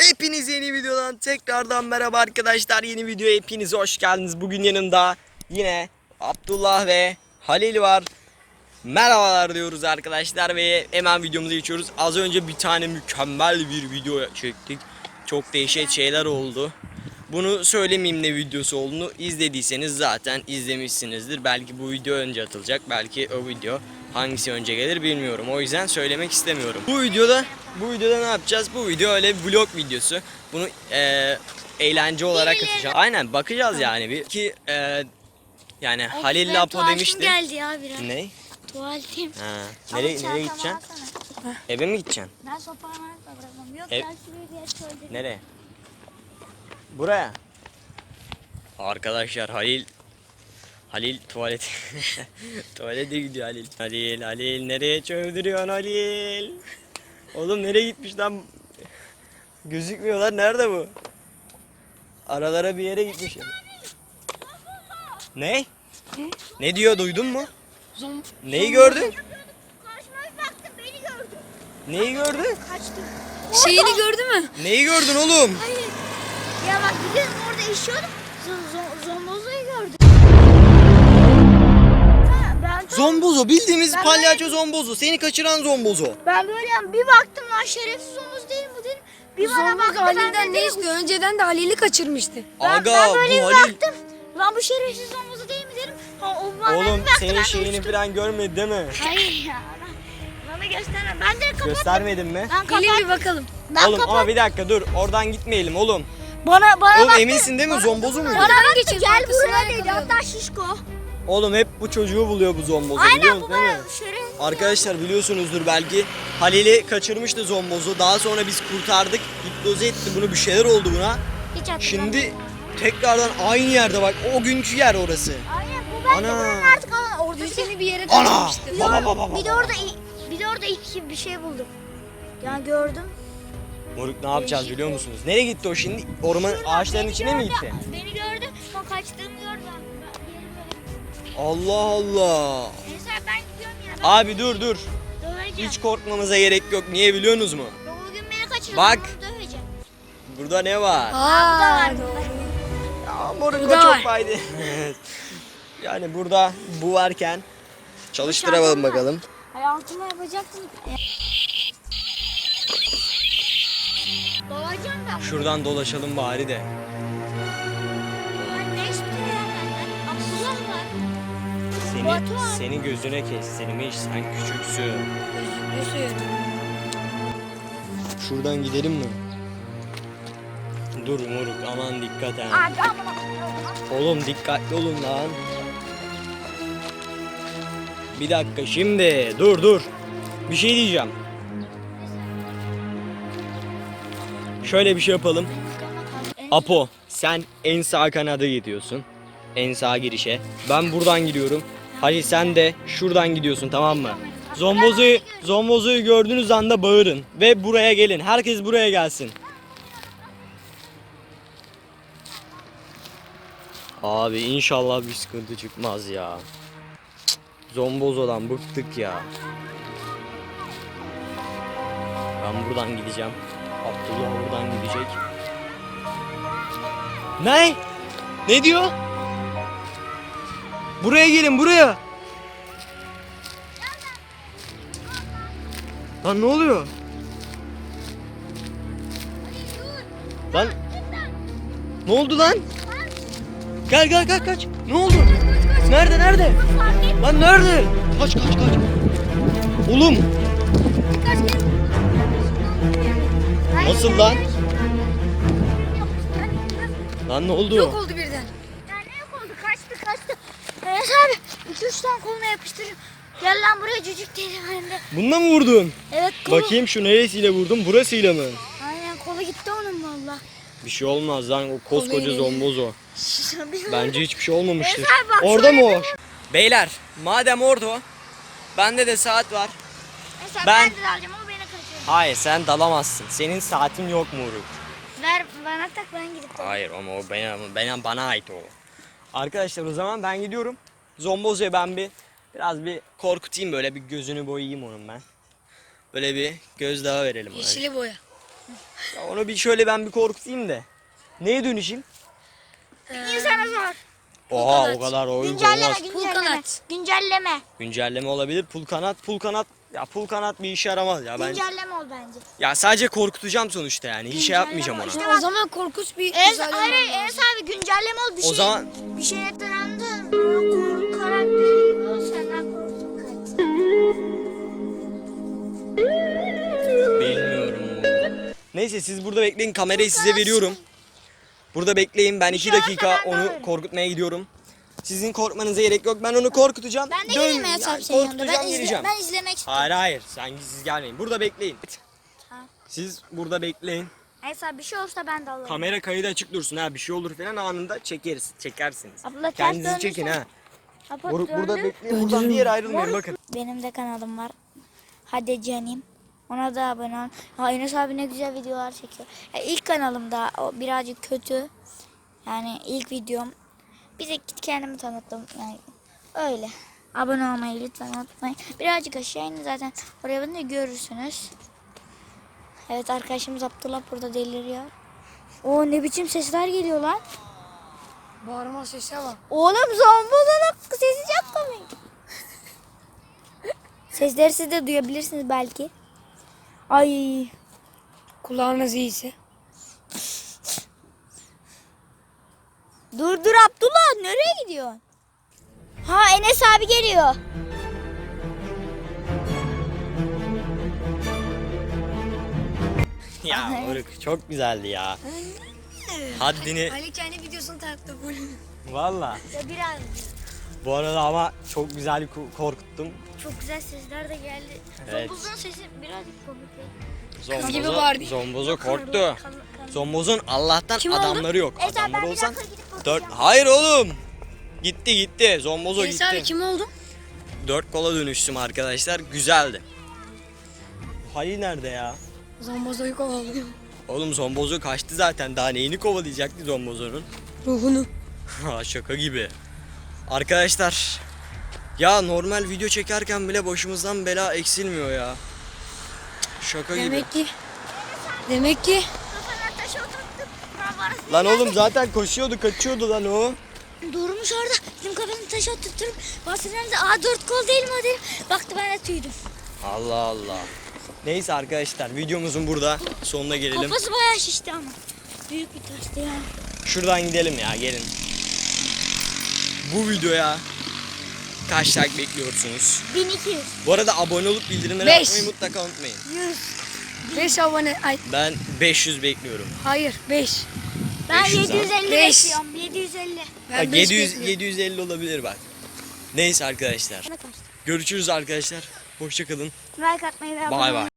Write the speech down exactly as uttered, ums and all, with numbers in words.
Hepiniz yeni videodan tekrardan merhaba arkadaşlar. Yeni videoya hepiniz hoş geldiniz. Bugün yanımda yine Abdullah ve Halil var. Merhabalar diyoruz arkadaşlar ve hemen videomuza geçiyoruz. Az önce bir tane mükemmel bir video çektik. Çok değişik şeyler oldu. Bunu söylemeyeyim ne videosu olduğunu. İzlediyseniz zaten izlemişsinizdir. Belki bu video önce atılacak, belki o video hangisi önce gelir bilmiyorum. O yüzden söylemek istemiyorum. Bu videoda bu videoda ne yapacağız? Bu video öyle bir vlog videosu. Bunu e, eğlence olarak atacağım. Aynen bakacağız yani bir ki e, yani Halil Apo demişti. Geldi ya biraz. Ne? Tuvaletim. Ha. Nereye nereye gideceksin? Eve mi gideceksin? Ben sopamı bırakamam. Yok Ev... gel şuraya diye söyledim. Nereye? Buraya. Arkadaşlar Halil Halil tuvalet tuvalete gidiyor Halil. Halil Halil nereye çövdürüyorsun Halil? Oğlum nereye gitmiş lan? Gözükmüyorlar. Nerede bu? Aralara bir yere gitmiş. Ne? Ne? Ne diyor, duydun mu? Zom Neyi gördün? Karşıma bir baktım beni gördü. Neyi gördün? Kaçtım. Şeyini gördü mü? Neyi gördün oğlum? Hayır. Ya bak gidiyorum orada işiyordum. Zombozoyu gördüm. Ha, ben tam- Zombozo, bildiğimiz Ben palyaço Zombozo. Seni kaçıran Zombozo. Ben böyle yani bir baktım lan şerefsiz omuz değil bu dedim. Bir bana baktı ben Halil'den de ne istiyor? Önceden de Halil'i kaçırmıştı. Ben, Aga ben böyle bu bir Halil. baktım. Lan bu şerefsiz omuzu değil mi dedim. Ha, o bana bir Oğlum baktı, ben senin de şeyini uçtum. falan görmedi değil mi? Hayır ya. Bana gösterme. Ben direkt kapattım. Göstermedin mi? Ben Gelin bir kapattım. bakalım. Ben Oğlum kapattım. ama bir dakika dur. Oradan gitmeyelim oğlum. Bana bana Oğlum baktı. eminsin değil mi? Zombozo muydu? Bana baktı geçip gel arkasına buraya dedi. yakalıyordu. Hatta şişko. Oğlum hep bu çocuğu buluyor bu Zombozo, biliyor Aynen musun bu değil mi? bana şerefsiz. Arkadaşlar biliyorsunuzdur belki. Halil'i kaçırmıştı Zombozo. Daha sonra biz kurtardık. Hipnoze etti bunu, bir şeyler oldu buna. Hiç hatırlamıyorum. Şimdi tekrardan aynı yerde bak. O günkü yer orası. Aynen bu ben de Ana. buranın artık aa, orada Dün bir, seni bir yere Ana! kaçırmıştı. Baba baba baba. bir de orada bir de orada iki bir şey buldum. Yani gördüm. Moruk ne yapacağız biliyor musunuz? Nereye gitti o şimdi? Orman ağaçların Beni içine mi gördü, gitti? Beni gördü. Son kaçtığımı gördü. Ben, ben yerim böyle. Allah Allah. Neyse ben gidiyorum ya. Ben Abi dur dur. döveceğim. Hiç korkmamıza gerek yok. Niye biliyorsunuz mu? Bugün beni kaçırdı. Bak. Onu döveceğim. Burada ne var? Aa, bu da var. Ya moruk Bu o da çok var. faydalı. Yani burada bu varken çalıştıralım şarkım var. bakalım. Hayatımı yapacaktım. Dolayacağım ben. Şuradan dolaşalım bari de. Ben ne istiyor ya benden? Abdullah var. Seni, Batuhan. seni gözüne kestirmiş. Sen küçüksün. Gözüküyor. Şuradan gidelim mi? Dur moruk aman dikkat ha. Abi ama. Oğlum dikkatli olun lan. Bir dakika şimdi dur dur. Bir şey diyeceğim. Şöyle bir şey yapalım. Apo sen en sağ kanada gidiyorsun. En sağ girişe. Ben buradan giriyorum. Halil sen de şuradan gidiyorsun, tamam mı? Zombozo'yu Zombozo'yu gördüğünüz anda bağırın ve buraya gelin. Herkes buraya gelsin. Abi inşallah bir sıkıntı çıkmaz ya. Zombozo'dan bıktık ya. Ben buradan gideceğim. Abdullah buradan gidecek. Ne? Ne diyor? Buraya gelin, buraya. Lan ne oluyor? Lan ne oldu lan? Gel gel gel kaç. Ne oldu? Nerede nerede? Lan nerede? Kaç kaç kaç. Oğlum. Nasıl lan? Lan ne oldu? Yok oldu birden. Ya ne yok oldu? Kaçtı kaçtı. Enes abi iki üç tane koluna yapıştırayım. Gel lan buraya cücük dedim hem de. Bununla mı vurdun? Evet kolu. Bakayım şu neresiyle vurdum? Burasıyla mı? Aynen kolu gitti onun valla. Bir şey olmaz lan, o koskoca Zombozo. Bence hiçbir şey olmamıştır. Enes abi bak Orada şöyle mı o? Beyler madem orada o, bende de saat var. Mesela Ben- ben, de alacağım ama beni kaçırıyor. Hayır sen dalamazsın. Senin saatin yok Muruk. Ver bana tak ben gidip alayım. Hayır ama o bana, bana, bana ait o. Arkadaşlar o zaman ben gidiyorum. Zombozo'ya ben bir biraz bir korkutayım, böyle bir gözünü boyayayım onun ben. Böyle bir gözdağı verelim ona. Yeşili boya. Ya onu bir şöyle ben bir korkutayım da. Neye dönüşeyim? İnsana zor. Oha kanat. o kadar oyun Güncelleme, olmaz. güncelleme. kanat. Güncelleme. Güncelleme olabilir. Pul kanat, pul kanat. Ya pul kanat bir işe yaramaz ya ben. Güncelleme ol bence. Ya sadece korkutacağım sonuçta yani. Hiç şey Güncelleme yapmayacağım ona. işte. O zaman korkunç bir Enes, güzel hayır hayır olman Enes lazım. abi güncelleme ol bir O şey. zaman Bir şey ettirendin. Korkarak bir şey ol senden korktum kaç. bilmiyorum. Neyse siz burada bekleyin. Kamerayı size veriyorum. Burada bekleyin. Ben iki şey olursa dakika ben de onu alırım. korkutmaya gidiyorum. Sizin korkmanıza gerek yok. Ben onu korkutacağım. Ben de Dön- geleyim Enes yani abi senin yanında. korkutacağım, Ben, izle, geleceğim. ben izlemek istiyorum. Hayır hayır. Sen siz gelmeyin. Burada bekleyin. Tamam. Siz burada bekleyin. Enes abi bir şey olursa ben de alırım. Kamera kaydı açık dursun ha. Bir şey olur falan anında çekeriz. Çekersiniz. Abla ters Kendinizi döndürsen. çekin ha. Abla Bur- burada döndür. bekleyin. Buradan bir yere ayrılmayın bakın. Benim de kanalım var. Hadi canım. Ona da abone ol. Ha, Enes abi ne güzel videolar çekiyor. Ya, ilk kanalımda o birazcık kötü. Yani ilk videom. Bir de git kendimi tanıttım. Yani öyle. Abone olmayı lütfen unutmayın. Birazcık aşağı inin zaten. Oraya beni de görürsünüz. Evet arkadaşımız Abdullah burada deliriyor. O ne biçim sesler geliyor lan. Bağırma sesi bak. Oğlum zombolunun sesi çok komik. Sesleri siz de duyabilirsiniz belki. Ay. Kulağınız iyiyse. Dur dur Abdullah nereye gidiyorsun? Ha Enes abi geliyor. Ya Oruk çok güzeldi ya. Haddini Ali kendi videosunu taktı bu. valla. Ya biraz Bu arada ama çok güzel ko- korkuttum. çok güzel sesler de geldi. Evet. Zombozun sesi birazcık komik. Zombozo, gibi Barbie. Zombozo korktu. Zombozun Allah'tan Kim oldu? adamları yok. Enes abi ben Adamları bir olsan dakika gidip dört. bakacağım. Hayır oğlum. Gitti gitti. Zombozo Enes abi gitti. kim oldu? Dört kola dönüştüm arkadaşlar. Güzeldi. Halil nerede ya? Zombozoyu kovalıyor. Oğlum Zombozo kaçtı zaten. Daha neyini kovalayacaktı Zombozo'nun? Ruhunu. Ha, şaka gibi. Arkadaşlar ya normal video çekerken bile başımızdan bela eksilmiyor ya. Şaka gibi. Demek ki. Demek ki. Kafana taş oturttum. Kafana- Lan oğlum zaten koşuyordu, kaçıyordu lan o. Durmuş orada. Bizim kafasını taş oturturum. Bahsederim de aa dört kol değil mi o dedim. Baktı ben de tüydüm. Allah Allah. Neyse arkadaşlar videomuzun burada sonuna gelelim. Kafası bayağı şişti ama. Büyük bir taştı ya. Şuradan gidelim ya gelin. Bu videoya kaç like bekliyorsunuz? bin iki yüz. Bu arada abone olup bildirimleri Beş. açmayı mutlaka unutmayın. yüz. beş abone. Ay Ben beş yüz bekliyorum. hayır beş. Ben beş yüz yedi yüz elli Beş. bekliyorum. yedi yüz elli. Ben Bak, beş yedi yüz bekliyorum. yedi yüz elli olabilir bak. Neyse arkadaşlar. Ne kaçtı? Görüşürüz arkadaşlar. Hoşça kalın. Like atmayı ve abone Bay olmayı bay.